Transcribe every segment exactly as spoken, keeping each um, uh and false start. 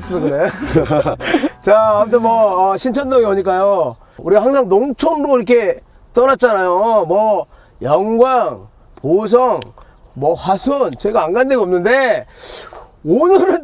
없어 그래. 자, 아무튼 뭐 어, 신천동에 오니까요. 우리가 항상 농촌으로 이렇게 떠났잖아요. 뭐 영광, 보성, 뭐 화순 제가 안 간 데가 없는데 오늘은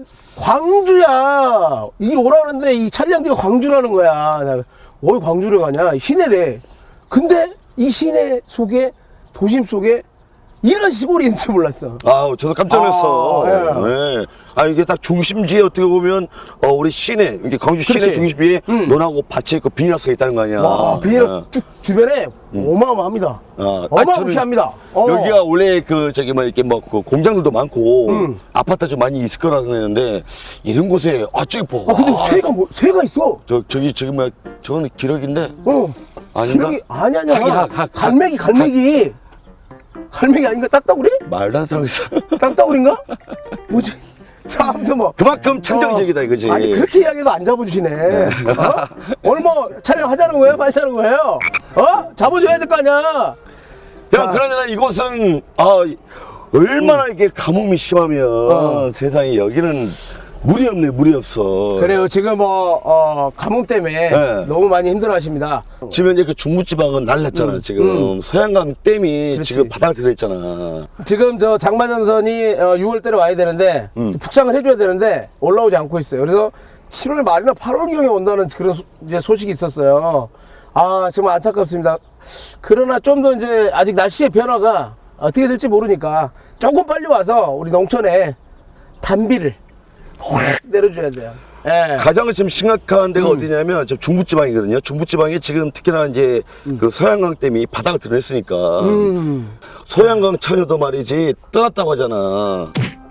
광주야. 이게 오라는데 이 차량지가 광주라는 거야. 나, 왜 광주를 가냐? 시내래. 근데 이 시내 속에 도심 속에 이런 시골이 있는지 몰랐어. 아, 저도 깜짝 놀랐어. 아, 예. 네. 아, 이게 딱 중심지에 어떻게 보면, 어, 우리 시내, 이게 광주 시내 그렇지. 중심지에 음. 논하고 밭이 있고 비닐하우스가 있다는 거 아니야. 와, 비닐하우스 예. 쭉 주변에 어마어마합니다. 아, 어마무시합니다. 어. 여기가 원래 그, 저기, 뭐, 이렇게 뭐, 그 공장들도 많고, 음. 아파트 좀 많이 있을 거라고 했는데, 이런 곳에, 아, 저기 봐. 아, 근데 새가 뭐, 새가 있어. 저, 저기, 저기, 뭐, 저거는 기러기인데, 어. 아닌가? 기러기, 아니, 아니야. 하기, 하- 하- 갈매기, 갈매기. 갈매기 아닌가? 딱따구리? 말도 안 들어있어. 딱따구리인가? 뭐지? 자, 아무튼 뭐. 그만큼 창정적이다, 이거지. 아니, 그렇게 이야기해도 안 잡아주시네. 어? 오늘 뭐 촬영하자는 거예요? 말자는 거예요? 어? 잡아줘야 될 거 아니야? 야, 자. 그러나 이곳은, 아, 얼마나 이게 가뭄이 심하면, 어. 세상에 여기는 물이 없네, 물이 없어. 그래요. 지금 뭐, 어, 가뭄 때문에 네. 너무 많이 힘들어 하십니다. 지금 이제 그 중부지방은 난랐잖아, 음, 지금. 소양강 댐이 그렇지. 지금 바닥 들어있잖아. 지금 저 장마전선이 어, 유월 달에 와야 되는데 음. 북상을 해줘야 되는데 올라오지 않고 있어요. 그래서 칠월 말이나 팔월경에 온다는 그런 소, 이제 소식이 있었어요. 아 정말 안타깝습니다. 그러나 좀 더 이제 아직 날씨의 변화가 어떻게 될지 모르니까 조금 빨리 와서 우리 농촌에 단비를 확 내려줘야 돼요. 예. 가장 지금 심각한 데가 음. 어디냐면, 저 중부지방이거든요. 중부지방이 지금 특히나 이제 그 소양강 댐이 바닥을 드러냈으니까. 음. 소양강 처녀도 말이지, 떠났다고 하잖아.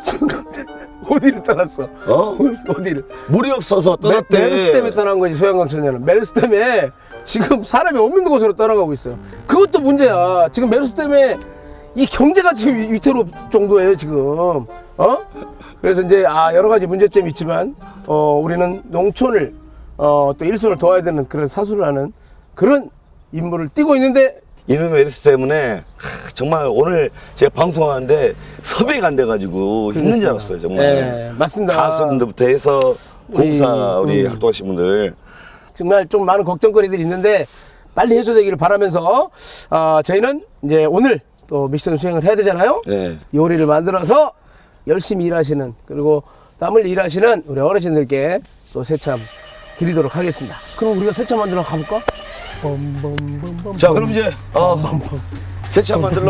어디를 떠났어? 어? 어디를? 물이 없어서 메, 떠났대. 메르스 때문에 떠난 거지 소양강 청년은. 메르스 때문에 지금 사람이 없는 곳으로 떠나가고 있어요. 그것도 문제야. 지금 메르스 때문에 이 경제가 지금 위- 위태로울 정도예요 지금. 어? 그래서 이제 아 여러 가지 문제점이 있지만 어 우리는 농촌을 어또 일손을 도와야 되는 그런 사수를 하는 그런 임무를 띠고 있는데 이놈의 메르스 때문에 하, 정말 오늘 제가 방송하는데 섭외가 안 돼가지고 힘든 줄 알았어요 정말. 네, 맞습니다. 가수분들부터 해서 공사 우리, 우리 음. 활동하신 분들. 정말 좀 많은 걱정거리들이 있는데 빨리 해소되기를 바라면서 아 저희는 이제 오늘 또 미션 수행을 해야 되잖아요. 네. 요리를 만들어서 열심히 일하시는 그리고 땀을 일하시는 우리 어르신들께 또 새참 드리도록 하겠습니다. 그럼 우리가 새참 만들어 가볼까? bombombombom. 자 그럼 이제 어, 세차 만들러.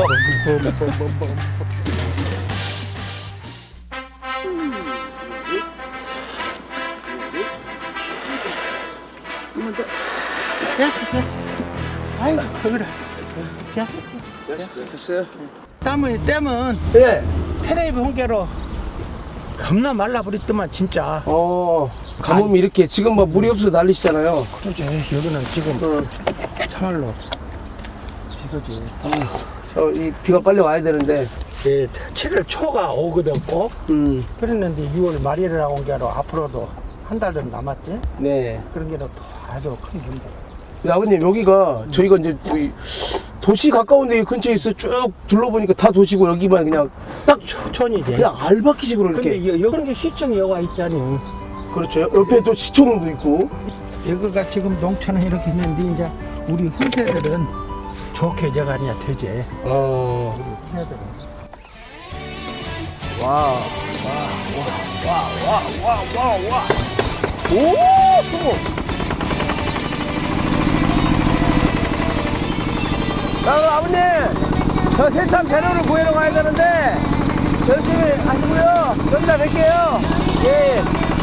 됐어 됐어 아이고 그래 됐어 됐어 됐어요? 땀을 떼면 네. 테레비 홍게로 겁나 말라버렸더만 진짜 어 가뭄이 이렇게 지금 뭐 물이 없어서 난리시잖아요. 그러지 여기는 지금 어. 참말로 이거지 저 이 비가 빨리 와야 되는데. 예, 칠월 초가 오거든 꼭 음. 그랬는데 유월 말일이라고 온 게로 앞으로도 한 달 정도 남았지 네. 그런 게또 아주 큰 문제 근데 아버님 여기가 저희가 이제 이 도시 가까운데 이 근처에 있어 쭉 둘러보니까 다 도시고 여기만 그냥 딱 촌이지 그냥 알바키식으로 이렇게. 근데 여- 여기 시청 여가 있잖니 그렇죠. 옆에 또 시청도 있고. 여기가 지금 농촌은 이렇게 있는데 이제 우리 후세들은 좋게 저가냐 되지 어. 우리 후세들은 와. 와. 와. 와. 와. 와. 와. 와. 오! 수고. 자, 그럼 아버님. 저 세참 재료를 구해러 가야 되는데 열심히 하시고요. 여기다 뵐게요. 예.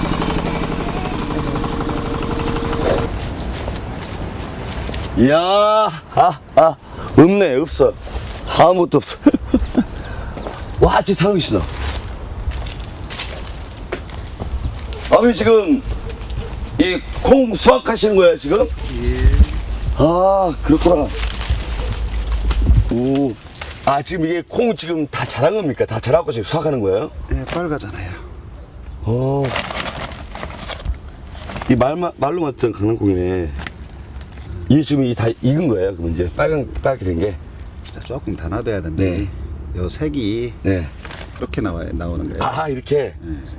이야, 아, 아, 없네, 없어. 아무것도 없어. 와, 진짜 살고 계시다. 아버님 지금 이 콩 수확하시는 거예요, 지금? 예. 아, 그렇구나. 오. 아, 지금 이게 콩 지금 다 자란 겁니까? 다 자라고 지금 수확하는 거예요? 예, 빨갛잖아요. 어. 이 말마, 말로 맞던 강낭콩이네. 이게 지금 이게 다 익은 거예요? 그럼 이제 빨간, 빨갛게 된 게? 자, 조금 더 놔둬야 되는데, 네. 요 색이 네. 이렇게 나와요, 나오는 거예요. 아, 이렇게?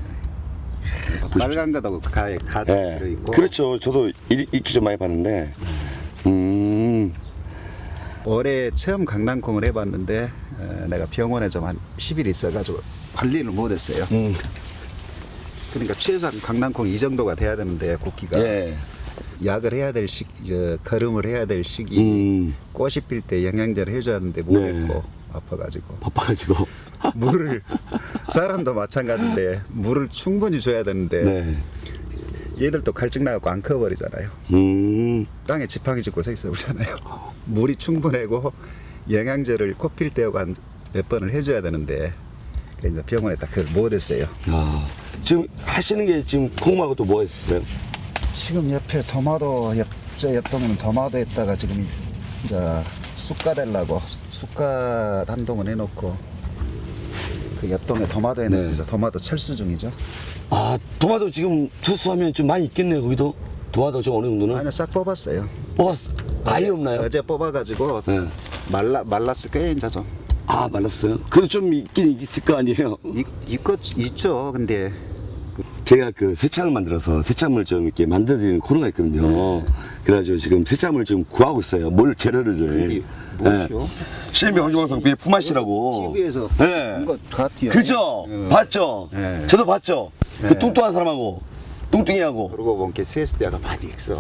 빨간 거도 가에 가 네. 들어있고. 그렇죠. 저도 이- 익히 좀 많이 봤는데. 음. 올해 처음 강낭콩을 해봤는데, 어, 내가 병원에 좀 한 십 일 있어가지고 관리를 못했어요. 음. 그러니까 최소한 강낭콩 이 정도가 돼야 되는데, 굵기가. 예. 약을 해야 될 시기, 저, 걸음을 해야 될 시기, 음. 꽃이 필 때 영양제를 해줘야 하는데 네. 못했고, 아파가지고. 바빠가지고. 물을 사람도 마찬가지인데 물을 충분히 줘야 되는데 네. 얘들도 갈증 나갖고 안 커버리잖아요. 음. 땅에 지팡이 짚고 서 있어 보잖아요. 물이 충분하고 영양제를 코필 때하고 한 몇 번을 해줘야 되는데 그 이제 병원에 딱 그걸 못했어요. 아. 지금 하시는 게 지금 콩 말고 또 뭐 있어요? 지금 옆에 토마토 옆, 저 옆동은 토마토 했다가 지금 이제 쑥가 되려고 쑥가 한 동은 해놓고 그 옆동에 토마토 했는데 네. 이제 토마토 철수 중이죠. 아, 토마토 지금 철수하면 좀 많이 있겠네요, 거기도? 토마토 좀 어느 정도는? 아니요, 싹 뽑았어요. 뽑았어. 아예 없나요? 어제 뽑아가지고 네. 말라 말랐을 거예요, 이제 좀. 아, 말랐어요? 그래도 좀 있긴 있을 거 아니에요? 이, 이것 있죠, 근데 제가 그 새참을 만들어서 새참을 좀 이렇게 만들어드리는 코너가 있거든요. 그래가지고 지금 새참을 지금 구하고 있어요. 뭘 재료를. 그게 무엇이요? 실명정성 비 품앗이라고. 티비에서 네. 본것 같아요. 그죠? 예. 봤죠? 네. 저도 봤죠? 그 네. 뚱뚱한 사람하고, 뚱뚱이하고. 그러고 보니까 세숫대가 많이 있어.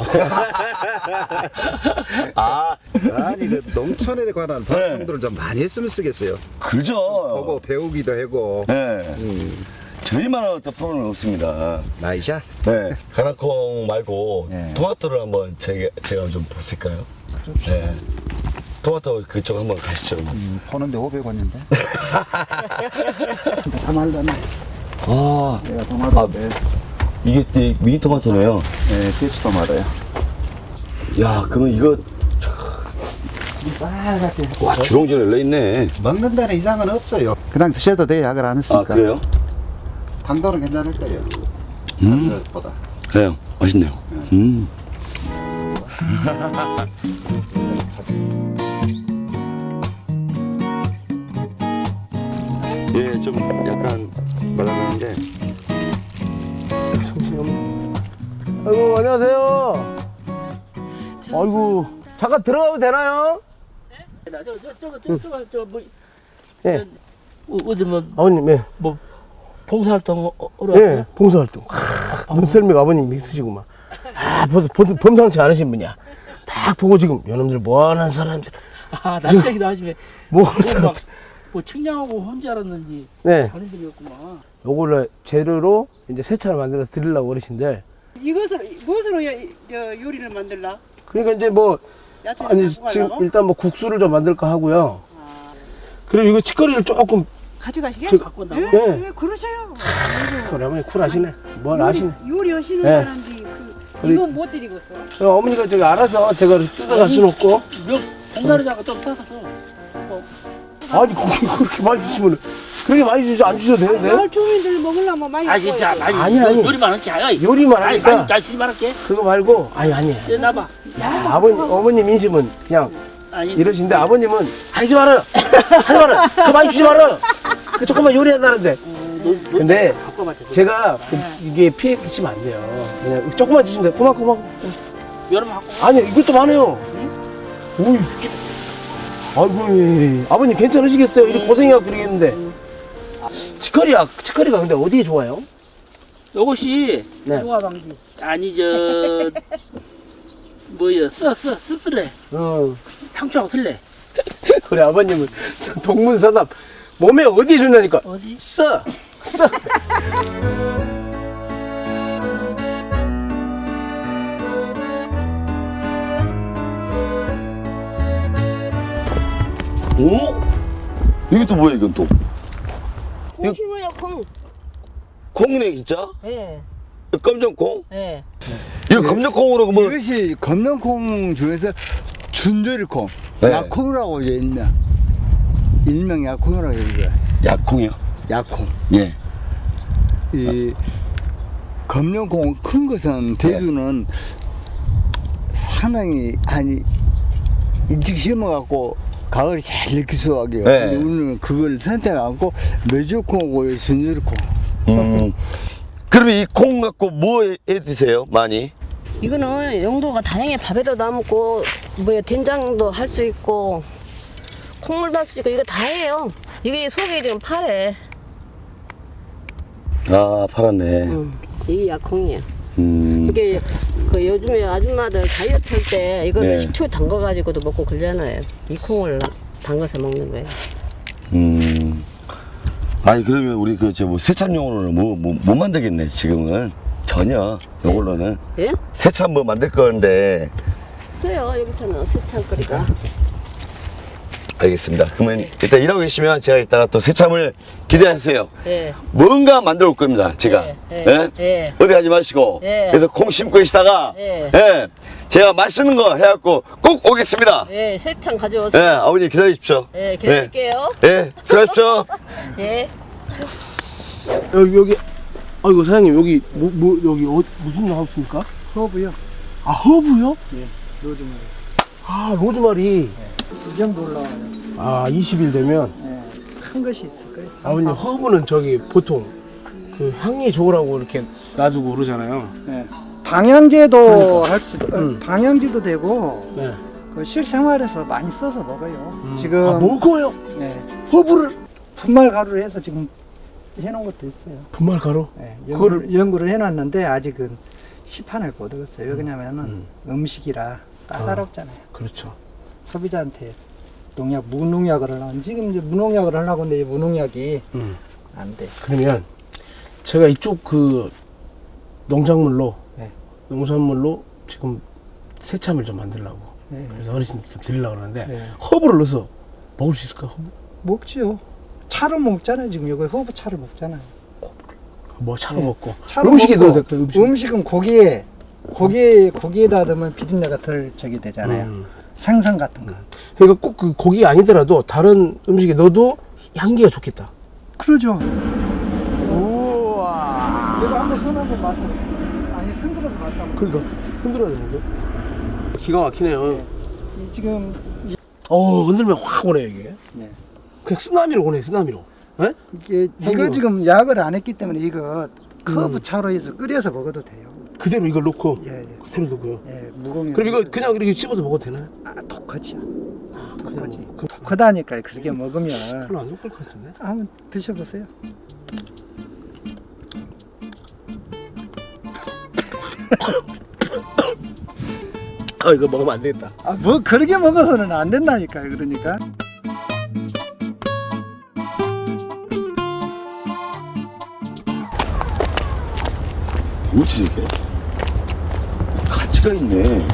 아, 아니 그 농촌에 관한 방송들을 좀 많이 했으면 쓰겠어요. 그죠? 보고 배우기도 하고. 네. 음, 저희만한 어떤 프로는 없습니다. 나이샷. 네. 가나콩 말고 네. 토마토를 한번 제가, 제가 좀 볼까요? 네. 토마토 그쪽 한번 가시죠. 음, 보는데 오백 원인데. 다 말랐네. 아, 내가 토마토인데. 이게 이 미니 토마토네요. 네, 대추 토마토요. 야, 그러면 이거 빨갛게. 와 주렁주렁 열려 있네. 먹는 데는 이상은 없어요. 그냥 드셔도 돼요, 약을 안 했으니까. 아 그래요? 당도는 괜찮을 거예요. 음, 보다. 그래요. 맛있네요. 음. 예, 좀 약간 말랑한데. 아이고, 안녕하세요. 아이고, 잠깐 들어가도 되나요? 저저저저저뭐 예. 어디 뭐, 아버님, 예. 뭐 봉사활동 하러 예, 왔어요? 봉사활동. 크, 눈썰미가 아버님 있으시구만. 아, 범, 범, 범상치 않으신 분이야. 딱 보고 지금, 요놈들 뭐 하는 사람들, 아 남자기도 하시네. 뭐 하는 사람들. 뭐 측량하고 혼자 알았는지 네. 다른 분이었구만. 요걸로 재료로 이제 세차를 만들어서 드리려고 어르신들. 이것으로 무엇으로 요, 요 요리를 만들라? 그러니까 이제 뭐, 야채를 아니, 갖고 지금 가려고? 일단 뭐 국수를 좀 만들까 하고요. 그리고 이거 치거리를 조금, 가져가시게? 저- 갖고 온다고? 예, 예. 예, 그러셔요. 소리 어머니 쿨하시네. 뭘 아시네. 요리 하시는 예. 사람들이 그, 그리- 이건 못 드리겠어. 어, 어머니가 저기 알아서 제가 뜯어갈 수는 없고. 몇 봉다리다가 좀 따서 뭐 아니, 그렇게, 그렇게 많이 주시면, 그렇게 많이 주시, 안 주셔도 되는데? 마을 주민들 먹으려면 많이 아 줘요. 진짜 많이 아니, 아니. 요리만 할게 아이 요리만 아니 하니까. 많이 잘 주지 말할게. 그거 말고, 아니, 아니. 이제 나봐. 야, 아버님, 어머님 인심은 그냥 아니 이러신데, 아버님은 하지 마라! 하지 마라! 그 많이 주지 마라! 그 조금만 요리한다는데. 어, 너, 너 근데 갖고 맞춰. 제가 그, 이게 피해 끼치면 안 돼요. 그냥 조금만 주시면 돼. 고만, 고만. 여름 갖고. 아니, 이것도 많아요. 오이. 아이고, 예. 아버님 괜찮으시겠어요? 이렇게 고생해갖고 그러겠는데. 치커리야, 치커리가 근데 어디에 좋아요? 요것이 네. 중화방지. 아니 저 뭐야 써써 씁쓸해 어. 상추하고 쓸래. 우리 아버님은 동문서답 몸에 어디 좋냐니까 어디? 써 써. 오? 이게 또 뭐야, 이건 또? 콩 심어요, 콩. 콩이네, 진짜? 예, 검정콩? 예. 이거 검정콩으로 뭐, 이것이 검정콩 중에서 준조리콩, 네. 약콩이라고 이제 있나? 일명 약콩이라고 얘기해. 약콩이요? 약콩. 예. 이 검정콩 큰 것은 대두는 상당히 아니 일찍 심어갖고 가을에 잘 익힐 수 하게요. 네. 근데 우리는 그걸 선택하고 메주콩하고 준조리콩. 음. 그러면 이 콩 갖고 뭐 해 드세요, 많이? 이거는 용도가 다양해. 밥에도 담고, 뭐 된장도 할 수 있고, 콩물도 할 수 있고, 이거 다 해요. 이게 속에 지금 파래. 아, 팔았네. 음, 이게 약콩이에요. 음. 이게 그 요즘에 아줌마들 다이어트 할 때 이거를 네. 식초에 담가가지고도 먹고 그러잖아요. 이 콩을 나- 담가서 먹는 거예요. 음. 아니, 그러면 우리 그, 저 뭐, 세참용으로는 뭐, 뭐, 못 만들겠네, 지금은. 전혀, 요걸로는. 예? 세참 뭐 만들 건데. 없어요. 여기서는 세창거리가. 알겠습니다. 그러면 일단 일하고 계시면 제가 이따가 또 세참을 기대하세요. 예. 뭔가 만들어 올 겁니다, 제가. 예, 예, 예? 예. 어디 가지 마시고. 예. 그래서 콩 심고 계시다가. 예. 예. 제가 맛있는 거 해갖고 꼭 오겠습니다. 예, 세창 예, 가져오세요. 아버님 기다리십시오. 예, 기다릴게요. 예, 예, 수고하십시오. 예. 여기 여기 아이고 사장님 여기 뭐, 뭐 여기 어, 무슨 하우스입니까? 허브요. 아 허브요? 예, 로즈마리. 아 로즈마리. 이 정도 올라와요. 아 이십 일 되면 예, 큰 것이 있을 거예요. 아버님 허브는 저기 보통 그 향이 좋으라고 이렇게 놔두고 그러잖아요. 예. 방향제도 그러니까. 할 수, 음. 방향제도 되고 네. 그 실생활에서 많이 써서 먹어요. 지금 아 먹어요? 예, 허브를 분말 가루를 해서 지금 해놓은 것도 있어요. 분말 가루? 예, 그거를- 연구를, 연구를 해놨는데 아직은 시판을 못 얻었어요. 왜 그러냐면은 음. 음식이라 까다롭잖아요. 그렇죠. 소비자한테 농약, 무농약을 하려고 지금 이제 무농약을 하려고 하는데 이 무농약이 음. 안 돼. 그러면 제가 이쪽 그 농작물로 네. 농산물로 지금 새참을 좀 만들려고 네. 그래서 어르신들 좀 드리려고 그러는데 네. 허브를 넣어서 먹을 수 있을까? 허브? 먹지요. 차로 먹잖아요. 지금 여기 허브 차를 먹잖아요. 뭐 차로 네. 먹고 차로 음식에 먹고 넣어도 될까? 음식. 음식은 고기에 고기에 고기에다 넣으면 비린내가 덜 저기 되잖아요. 음. 생선 같은 거. 그러니까 꼭 그 고기 아니더라도 다른 음식에 넣어도 향기가 좋겠다. 그러죠. 우와. 얘가 한번 손 한번 맞춰보세요. 아니 흔들어서 맞춰보세요. 그러니까 흔들어야 되는데. 기가 막히네요. 이 지금 이, 어 흔들면 확 오네 이게. 네. 그냥 쓰나미로 오네 쓰나미로. 예? 이게 이거 향기가. 지금 약을 안 했기 때문에 이거 커브 차로 해서 끓여서 먹어도 돼요. 그대로 이걸 넣고 예, 예. 그대로 넣고요. 예, 무공해. 그럼 이거 그냥 이렇게 씹어서 먹어도 되나요? 아, 독하지요. 독하지. 그냥 그- 독하다니까 그렇게 먹으면 별로 안 좋을 것 같은데. 한번 드셔보세요. 아 이거 먹으면 안 되겠다. 아, 뭐 그렇게 먹어서는 안 된다니까요. 그러니까. 뭐지 이게? 가치가 있네.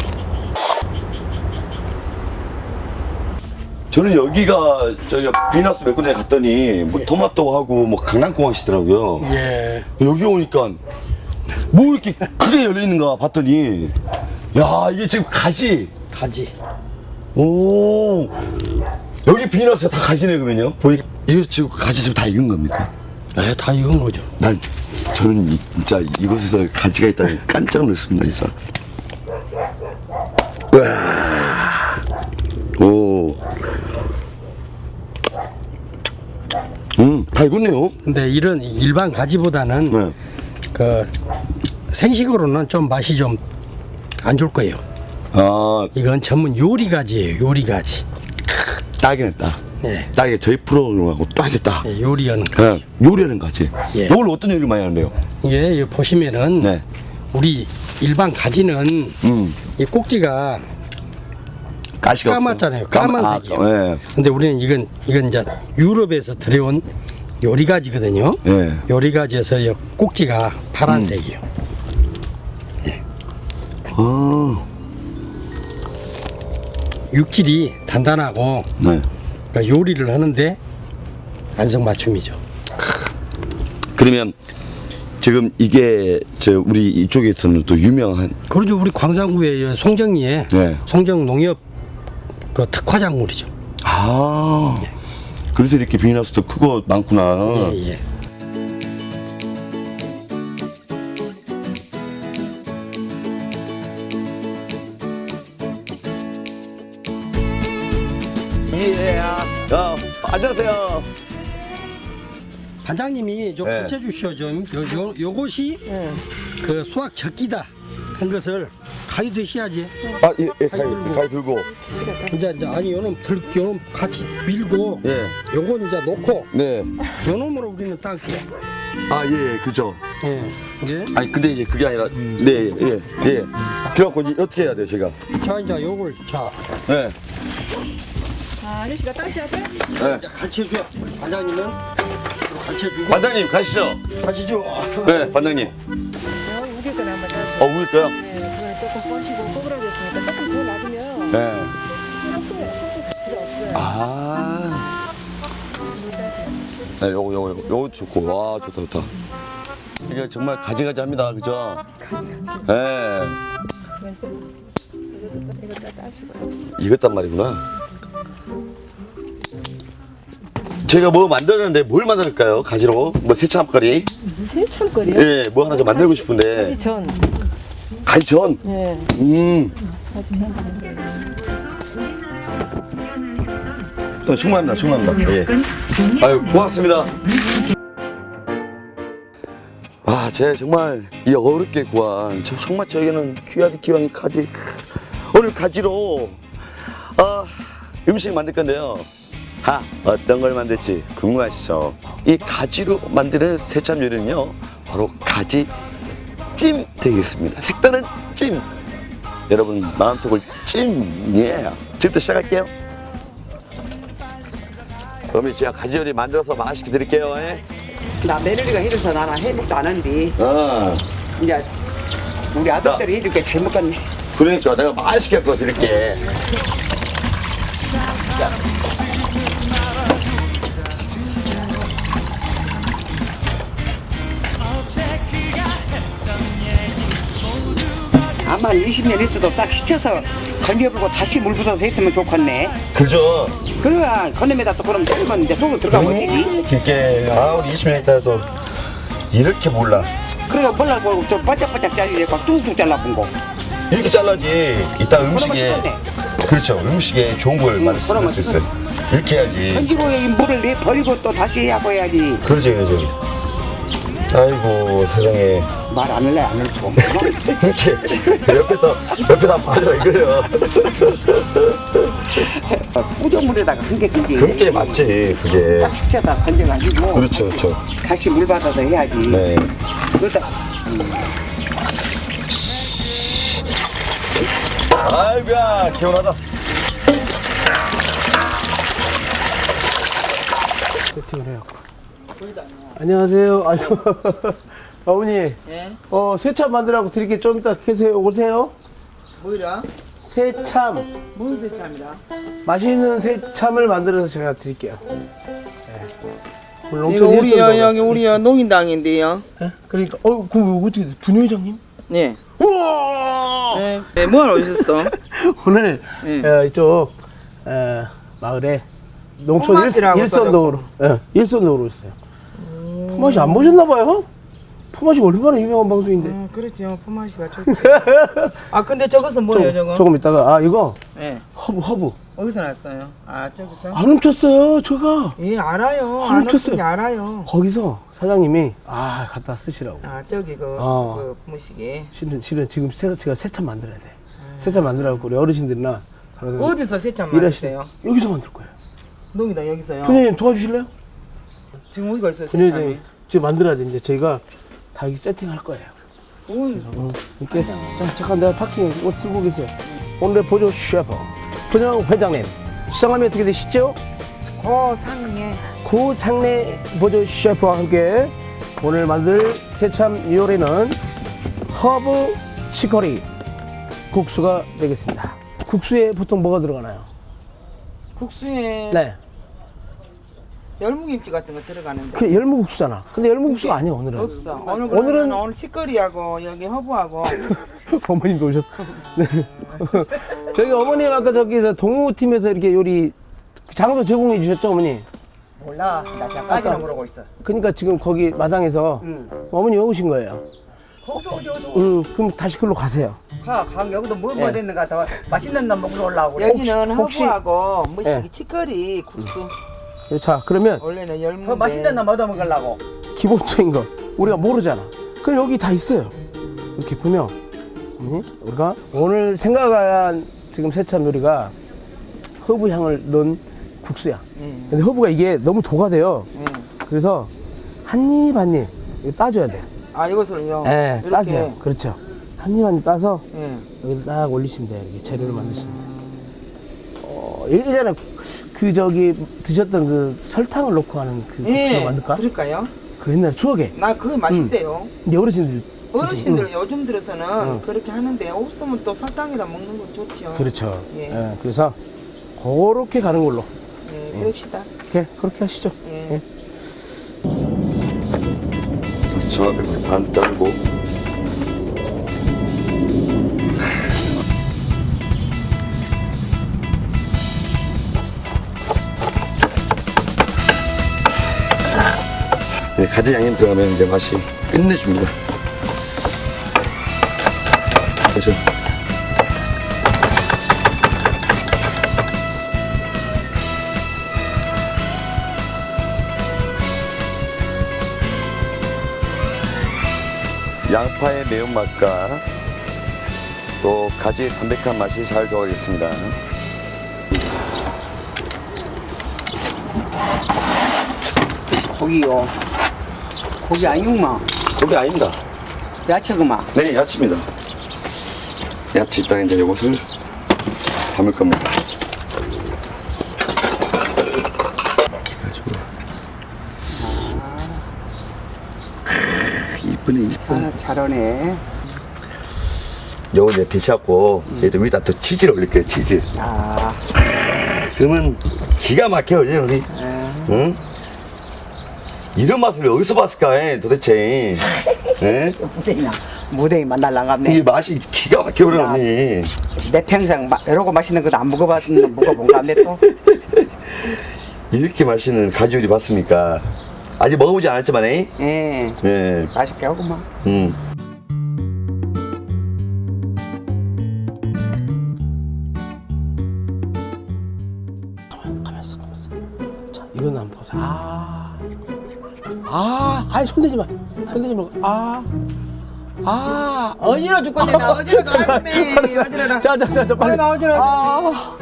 저는 여기가 저기 비너스 몇 군데 갔더니 뭐 토마토하고 뭐 강낭콩 하시더라고요. 예. 여기 오니까 뭐 이렇게 크게 열려 있는가 봤더니 야 이게 지금 가지. 가지. 오 여기 비너스 다 가지네 그러면요? 보니까 이거 지금 가지 지금 다 익은 겁니까? 네, 다 익은 거죠. 난 저는 이- 진짜 이곳에서 가지가 있다니 깜짝 놀랐습니다 진짜. 우와. 오. 음, 다 익었네요. 근데 이런 일반 가지보다는 네. 그 생식으로는 좀 맛이 좀 안 좋을 거예요. 아, 이건 전문 요리 가지예요. 요리 가지. 딱이네, 딱. 네. 딱이 저희 프로그램하고 딱이다. 예, 요리하는 거. 네, 요리하는 거지. 예. 이걸 어떤 요리를 많이 하는데요? 이게 여기 보시면은 네. 우리 일반 가지는 음, 이 꼭지가 가시가 까맣잖아요. 없어. 까마- 까만색이에요. 아, 예. 근데 우리는 이건 이건 이제 유럽에서 들여온 요리가지거든요. 예. 요리가지에서 이 꼭지가 파란색이에요. 아, 육질이 단단하고 네. 그러니까 요리를 하는데 안성맞춤이죠. 그러면 지금 이게 저 우리 이쪽에서는 또 유명한 그러죠. 우리 광산구의 송정리에 네. 송정 농협 그 특화작물이죠. 아 그래서 이렇게 비닐하우스도 크고 많구나. 예, 예. 예. 어, 안녕하세요. 반장님이 좀 네. 가르쳐 주시오 좀. 요, 요, 요것이 그 수학 적기다 한 것을 가위 드셔야지. 아, 예, 예, 가위, 가위 들고. 이제 이제 아니 요놈 들 요놈 같이 밀고 예. 요건 이제 놓고 네. 요놈으로 우리는 딸게요. 아, 예, 그죠. 예. 예. 아니, 근데 이제 그게 아니라, 네, 예, 예. 그래갖고 이제 어떻게 해야 돼요, 제가? 자 이제 요걸 자 네. 아, 아저씨가 따셔야 돼? 네. 이제 가르쳐 줘. 반장님은 가르쳐 주고 반장님, 가시죠. 가시죠. 네, 반장님. 어, 우길 거나 한번 따서. 어, 우릴 거요? 네, 그걸 조금 뻗시고 꼬부라졌으니까 조금 더 놔두면 네. 섞어요. 섞을 필요 없어요. 아. 네, 요거, 요거, 요거, 요거 좋고. 와, 좋다, 좋다. 이게 정말 가지가지 합니다. 그죠? 가지가지. 네. 이건 좀 이것도 이것도 따시고요. 이것단 말이구나. 제가 뭐 만들었는데 뭘 만들까요? 가지로? 뭐 세참거리? 세참거리요? 예, 뭐 하나 좀 만들고 싶은데. 전. 가지전? 네. 음. 또 충분합니다, 충분합니다. 예. 아유, 고맙습니다. 아, 제가 정말 이 어렵게 구한, 저 정말 저에게는 귀하디 귀한 가지. 오늘 가지로, 아, 음식 만들 건데요. 하, 어떤 걸 만들지 궁금하시죠? 이 가지로 만드는 새참 요리는요, 바로 가지 찜 되겠습니다. 색다른 찜. 여러분 마음속을 찜. 예. 지금부터 시작할게요. 그러면 제가 가지 요리 만들어서 맛있게 드릴게요. 예. 나 며느리가 해줘서 나는 해먹도 안 한디 아, 이제 우리 아들들이 해줄게 잘 먹겠네. 그러니까 내가 맛있게 구워 드릴게. 아마 이십 년 있어도 딱 시쳐서 건져불고 다시 물 부숴서 했으면 좋겠네. 그죠? 그래야 건nem에다 또 그럼 끓이면 이제 속으로 들어가면 되지. 이게 아 우리 이십 년 있다도 이렇게 몰라. 그래야 몰라보고 또 바짝바짝 잘리니까 뚝뚝 잘라본 거. 이렇게 잘라지. 이따 음식에 그러면 좋겠네. 그렇죠. 음식에 좋은 걸 만들 수 그러면 있어요. 이렇게 해야지. 건지고 이 물을 내 버리고 또 다시 하고 해야지. 그렇지, 그렇지. 아이고 세상에. 말 안 할래 안 할 수가 없어. 이렇게 옆에서 옆에서 빠져 이거요. 꾸정물에다가 한 개 그게. 그렇게 맞지 그게. 딱 시쳐서 건져가지고. 그렇죠, 그렇죠. 다시 물 받아서 해야지. 네. 그러다 아이고야 개운하다. 세팅을 해요. 안녕하세요. 아이고. 어머니. 네. 어, 새참 만들라고 드릴게. 좀 이따 계세요. 오세요. 뭐이라? 새참. 뭔 세참이라? 맛있는 새참을 만들어서 제가 드릴게요. 네. 오늘 이거 농촌 우리 여, 일선도 여기 우리 여 있습니다. 농인당인데요. 예? 그러니까 어, 그럼 어떻게 돼? 분회장님? 네. 우와! 네. 네, 뭐하러 오셨어? 오늘 네. 어, 이쪽 어, 마을에 농촌 포맛이라고 일, 일선도로 예, 일선도로 있어요. 포맛이 안 보셨나 봐요? 포맛이 얼마나 유명한 방송인데. 음, 그렇죠. 포마시가 좋지. 아, 근데 저것은 뭐예요, 저거? 조금 이따가 아 이거 네. 허브 허브 어디서 났어요? 아, 저기서? 안 훔쳤어요 제가. 예, 알아요. 아, 안 훔쳤어요. 훔쳤어요. 알아요. 거기서 사장님이 아 갖다 쓰시라고. 아, 저기 그, 어. 그 무식이. 실은 실은 지금 새, 제가 새참 만들어야 돼. 새참 만들라고 우리 어르신들이나 다른 어디서 세참 일하시는 만드세요? 여기서 만들 거예요. 농이다, 여기서요. 분회장님 도와주실래요? 지금 어디가 있어요, 분회장님 세참이? 지금 만들어야 돼. 이제 저희가 다 이렇게 세팅할 거예요. 어이, 어, 이렇게 자, 잠깐 내가 파킹 옷 쓰고 계세요. 오늘의 보조 셰프 분영 회장님, 성함이 어떻게 되시죠? 고상해. 고상래 보조 셰프와 함께 오늘 만들 새참 요리는 허브 치커리 국수가 되겠습니다. 국수에 보통 뭐가 들어가나요? 국수에 네, 열무김치 같은 거 들어가는데 그 열무국수잖아. 근데 열무국수가 아니야 오늘은. 없어. 오늘 오늘은- 오늘은 오늘 치거리하고 여기 허브하고 어머님도 오셨어. 네. 저기 어머님 아까 저기 동우팀에서 이렇게 요리 장소 제공해 주셨죠 어머니? 몰라. 나 아까- 까지는 모르고 있어. 그러니까 지금 거기 마당에서 응. 어머니 왜 오신 거예요? 거기서 오지 오지. 음, 그럼 다시 글로 가세요. 가, 가 여기도 뭐 예. 뭐 됐는가 더 맛있는 놈 먹으러 올라오고. 여기는 혹시- 허브하고 뭐 예. 치거리 국수. 자, 그러면 원래는 열무. 더 맛있는 놈 얻어 먹으려고. 기본적인 거 우리가 모르잖아. 그럼 여기 다 있어요. 이렇게 보면 어머니, 우리가 오늘 생각한 지금 새참 요리가 허브 향을 넣은 국수야. 응. 근데 허브가 이게 너무 도가 돼요. 응. 그래서 한 입 한 입 이거 따줘야 돼. 아 이것을요. 예, 이렇게. 따세요. 그렇죠. 한 입 한 입 따서 예. 여기 딱 올리시면 돼요. 이렇게 재료를 만드시면 돼요. 어, 예전에 그 저기 드셨던 그 설탕을 넣고 하는 그 국수로 예. 만들까? 그럴까요? 그 옛날 추억에. 나 그거 맛있대요. 근데 어르신들 어르신들 응. 요즘 들어서는 응. 그렇게 하는데 없으면 또 설탕에다 먹는 건 좋죠. 그렇죠. 예. 예, 그래서 그렇게 가는 걸로. 예, 그럽시다. 이렇게 그렇게 하시죠. 예. 예. 정확하게 반 따르고 네, 가지 양념 들어가면 이제 맛이 끝내줍니다. 그렇죠. 양파의 매운맛과 또 가지의 담백한 맛이 잘 조화하겠습니다. 고기요. 고기 아니구만. 고기 아닙니다. 야채구만. 네, 야채입니다. 야채 있다가 이제 이것을 담을 겁니다. 그래가지고 이쁘네, 이쁘네. 아, 잘하네. 요거 이제 데쳐갖고 얘들 위에다 또 치즈를 올릴 거예요, 치즈. 아, 그러면 기가 막혀요, 이제 우리. 응? 이런 맛을 어디서 봤을까, 에, 도대체. 예? 무대이나. 무대이 만날 이 나갔네. 맛이 기가 막혀, 그래, 언니. 내 평생 마, 이러고 맛있는 것도 안 먹어봤는 먹어본가 안네 또. 이렇게 맛있는 가지 요리 봤습니까? 아직 먹어보지 않았지만, 에? 예. 예. 맛있게 하구만. 음. 가면서 가면서. 자, 이건 한번 보자. 아, 아, 아니 손대지 마. 손대지 말고. 아, 아. 어지러 죽겠네. 나 어지러 가네. 어지러라. 자, 자, 자, 자, 빨리. 나 어지러. 아.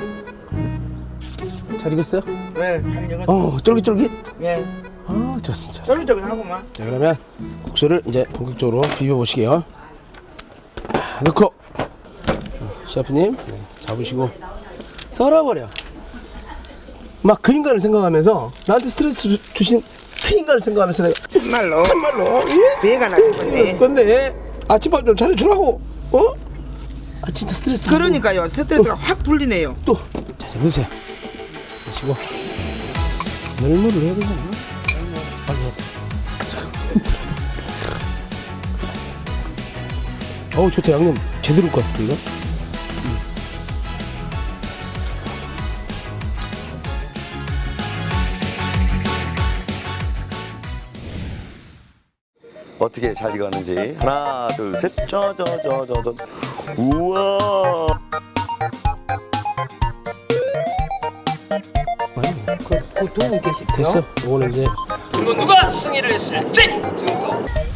잘 익었어요? 네, 잘 익었어. 어, 쫄깃쫄깃. 예. 아, 좋습니다. 좋습니다. 쫄깃쫄깃하구만. 자, 그러면 국수를 이제 본격적으로 비벼 보시게요. 넣고 어, 셰프님 네, 잡으시고 썰어버려. 막 그 인간을 생각하면서 나한테 스트레스 주, 주신 그 인간을 생각하면서 내가 정말로. 정말로 예? 배가 나겠네. 근데 아침밥 좀 차려주라고. 어? 아 진짜 스트레스. 그러니까요. 스트레스가 확 풀리네요. 또 자, 이제 넣으세요. 넣으시고 널물을 해야 되잖아. 빨리 해. 어우 좋다. 양념 제대로 것 같아 이거. 어떻게 잘 익었는지 하나 둘셋저저저저저 우와 그, 그 두 분 계시대요. 됐어. 이거는 이제 그리고 누가 승리를 했을지 지금부터